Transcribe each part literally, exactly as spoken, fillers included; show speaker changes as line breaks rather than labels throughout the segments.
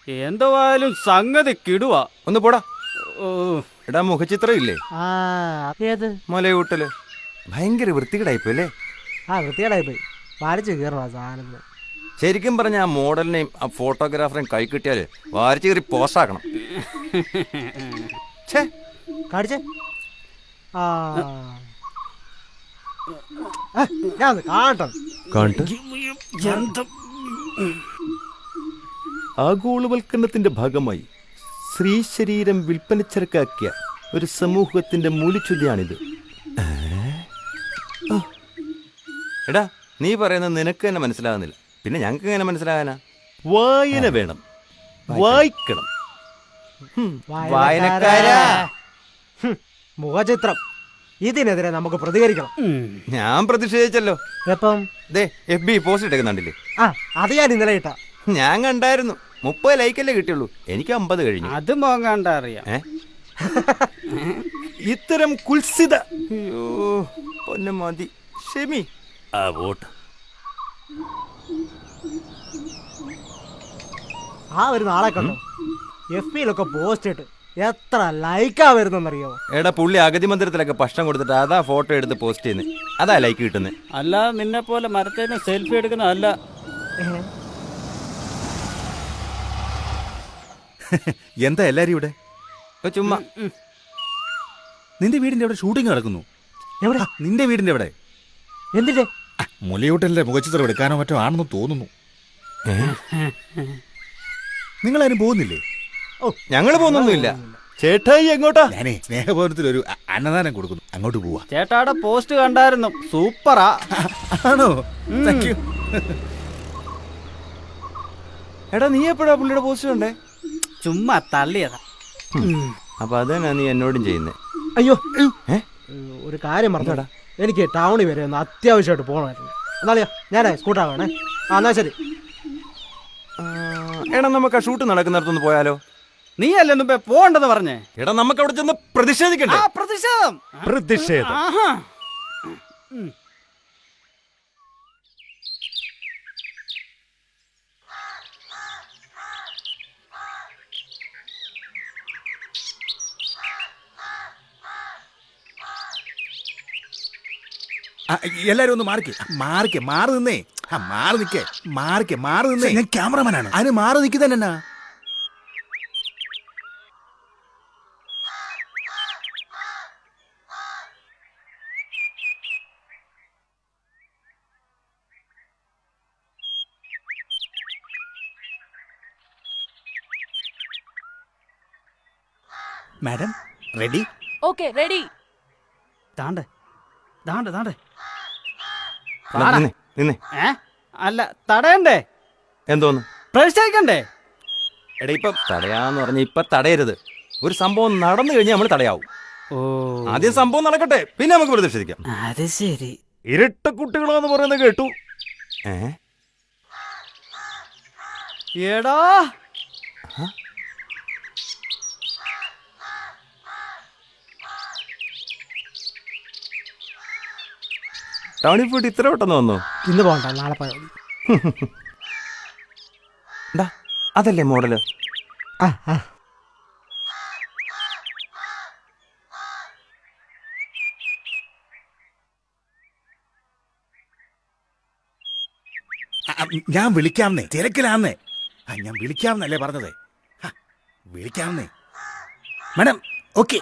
എന്തുവായാലും സംഗതി കിടുവാ.
ഒന്ന് പോടാ.
ഓ
എടാ മുഖചിത്രം ഇല്ലേ?
ആ ഏത്
മലയൂട്ടല് ഭയങ്കര വൃത്തികേടായിപ്പോയി അല്ലേ?
ആ വൃത്തികേടായി പോയി. വാരിച്ച് കീറണം ആ സാധനം.
ശരിക്കും പറഞ്ഞ ആ മോഡലിനെയും ആ ഫോട്ടോഗ്രാഫറെയും കൈ കിട്ടിയാല് വാരിച്ച് കയറി പോസ്റ്റാക്കണം.
കാണിച്ചേ. ആ ഞാൻ കാണട്ടെ.
ആഗോളവൽക്കരണത്തിന്റെ ഭാഗമായി സ്ത്രീ ശരീരം വിൽപ്പനച്ചരക്കാക്കിയ ഒരു സമൂഹത്തിന്റെ മൂലിച്ചുതിയാണിത്. എടാ നീ പറയുന്നത് നിനക്ക് തന്നെ മനസ്സിലാകുന്നില്ല, പിന്നെ ഞങ്ങൾക്ക് എങ്ങനെ മനസ്സിലാകാനാ? വായന വേണം, വായിക്കണം. വായനക്കാരാ.
മുഖചിത്രം ഇതിനെതിരെ നമുക്ക് പ്രതികരിക്കണം.
ഞാൻ പ്രതിഷേധിച്ചല്ലോ.
എപ്പം?
ദേ എഫ് ബി പോസ്റ്റ് ഇട്ടേക്കുന്നുണ്ടല്ലേ?
ആ അത് ഞാൻ ഇന്നലെ ഇട്ടാ.
ഞാൻ കണ്ടായിരുന്നു. മുപ്പത് ലൈക്കല്ലേ കിട്ടിയുള്ളൂ, എനിക്ക് അമ്പത് കഴിഞ്ഞു.
അത് മോങ്ങാണ്ട അറിയാം.
ഇത്തരം കുൽസിത അയ്യോ പൊന്നെ മതി. ഷെമി ആ വോട്ട്.
ആ ഒരു നാളെ കണ്ടോ എഫ് ബിയിലൊക്കെ പോസ്റ്റ് ഇട്ട് എത്ര ലൈക്കാ വരുന്നറിയോ?
എടാ പുള്ളി അഗതി മന്ദിരത്തിലൊക്കെ ഭക്ഷണം കൊടുത്തിട്ട് അതാ ഫോട്ടോ എടുത്ത് പോസ്റ്റ് ചെയ്യുന്നത്, അതാ ലൈക്ക് കിട്ടുന്നത്.
അല്ല നിന്നെ പോലെ മരത്തേന് സെൽഫി എടുക്കുന്ന അല്ല.
എന്താ എല്ലാരും ഇവിടെ?
ചുമ്മാ.
നിന്റെ വീടിന്റെ അവിടെ ഷൂട്ടിംഗ് നടക്കുന്നു.
എവിടെ?
നിന്റെ വീടിന്റെ അവിടെ.
എന്തിന്റെ?
മുലയൂട്ടലിന്റെ മുഖചിത്രം എടുക്കാനോ മറ്റോ ആണെന്ന് തോന്നുന്നു. നിങ്ങളാരും പോകുന്നില്ലേ?
ഓ ഞങ്ങള് പോകുന്നൊന്നുമില്ല. ചേട്ടായി എങ്ങോട്ടാ?
ഞാനേ സ്നേഹഭവനത്തിൽ ഒരു അന്നദാനം കൊടുക്കുന്നു, അങ്ങോട്ട് പോവാ.
ചേട്ടാടെ പോസ്റ്റ് കണ്ടായിരുന്നു, സൂപ്പറാ.
ആണോ? Thank you.
എടാ നീ എപ്പോഴാ പുള്ളിയുടെ പോസ്റ്റ് കണ്ടേ?
ചുമ്മാ തള്ളിയതാ.
അപ്പൊ അതന്നെ നീ എന്നോടും ചെയ്യുന്നേ.
അയ്യോ ഒരു കാര്യം പറഞ്ഞോടാ, എനിക്ക് ടൗണിൽ വരെ ഒന്ന് അത്യാവശ്യമായിട്ട് പോകണമായിരുന്നു. എന്നാളിയാ ഞാനേ സ്കൂട്ടർ വേണേ. ആ എന്നാ ശരി.
എടാ നമുക്ക് ആ ഷൂട്ട് നടക്കുന്നിടത്തൊന്ന് പോയാലോ?
നീ അല്ലേ മുമ്പേ പോണ്ടെന്ന് പറഞ്ഞേ?
എടാ നമുക്ക് അവിടെ ചെന്ന് പ്രതിഷേധിക്കണ്ടേ?
പ്രതിഷേധം
പ്രതിഷേധം
എല്ലാരും ഒന്ന് മാറിക്കേ മാറിക്കേ മാറി നിന്നേ. ആ മാറി നിക്കേ മാറിക്കേ മാറി നിന്നേ. ഞാൻ ക്യാമറമാനാണ്, അതിന് മാറി നിൽക്കുന്നതന്നെ. Madam ready?
Okay ready.
താണ്ടെ താണ്ടെ താണ്ടെ. ഏ അല്ല തടയണ്ടേ?
എന്തോന്ന്
പ്രതിഷേധിക്കണ്ടേ?
എടാ ഇപ്പൊ തടയാന്ന് പറഞ്ഞ ഇപ്പൊ തടയരുത്. ഒരു സംഭവം നടന്നു കഴിഞ്ഞാൽ നമ്മൾ തടയാവും.
ഓ
ആദ്യം സംഭവം നടക്കട്ടെ, പിന്നെ നമുക്ക് പ്രതിഷേധിക്കാം.
അത് ശരി.
ഇരട്ട കുട്ടികളോന്ന് പറയുന്നത് കേട്ടു. ഏ
എടാ
ടൗണിൽ പോയിട്ട് ഇത്ര പെട്ടെന്ന് വന്നോ?
ഇന്ന് പോകണ്ട, നാളെ പോയാൽ മതി.
അതല്ലേ മോഡല്?
ആ ആ
ഞാൻ വിളിക്കാമെന്നേ, തിരക്കിലാന്നേ. ആ ഞാൻ വിളിക്കാമെന്നല്ലേ പറഞ്ഞത്. വിളിക്കാമെന്നേ മാഡം. ഓക്കെ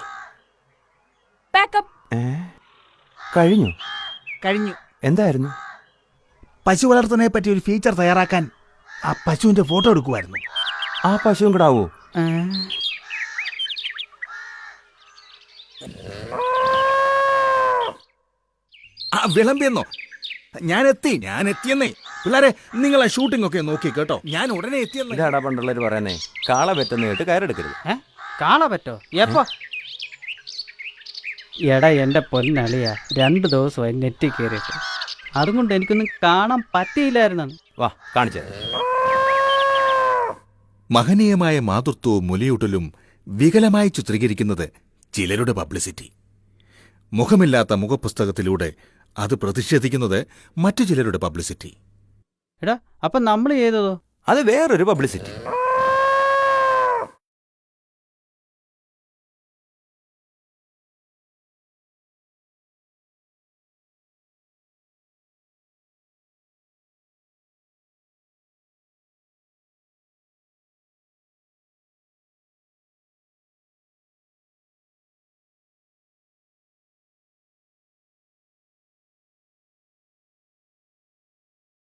കഴിഞ്ഞു
കഴിഞ്ഞു.
എന്തായിരുന്നു?
പശു വളർത്തുന്നതിനെ പറ്റി ഒരു ഫീച്ചർ തയ്യാറാക്കാൻ ആ പശുവിന്റെ ഫോട്ടോ എടുക്കുമായിരുന്നു.
ആ പശുവും കൂടെ ആവോ?
ആ വിളമ്പിയെന്നോ? ഞാൻ എത്തി ഞാൻ എത്തിയെന്നേ. പിള്ളേരെ നിങ്ങൾ ആ ഷൂട്ടിംഗ് ഒക്കെ നോക്കി കേട്ടോ, ഞാൻ ഉടനെ എത്തിയെന്നേ.
ഇതാടാ പണ്ടുള്ളവര് പറയുന്നേ, കാള പെറ്റെന്ന് കേട്ട് കയറെടുക്കരുത്.
കാണാൻ പറ്റോ? എപ്പോ? എടാ എന്റെ പൊന്നളിയ, രണ്ടു ദിവസമായി നെറ്റി കയറിയിട്ട്, അതുകൊണ്ട് എനിക്കൊന്നും കാണാൻ പറ്റിയില്ലായിരുന്നു.
വാ കാണിച്ചേ.
മഹനീയമായ മാതൃത്വവും മുലയൂട്ടലും വികലമായി ചിത്രീകരിക്കുന്നത് ചിലരുടെ പബ്ലിസിറ്റി. മുഖമില്ലാത്ത മുഖപുസ്തകത്തിലൂടെ അത് പ്രതിഷേധിക്കുന്നത് മറ്റു ചിലരുടെ പബ്ലിസിറ്റി.
എടാ അപ്പൊ നമ്മൾ ചെയ്തതോ?
അത് വേറൊരു പബ്ലിസിറ്റി.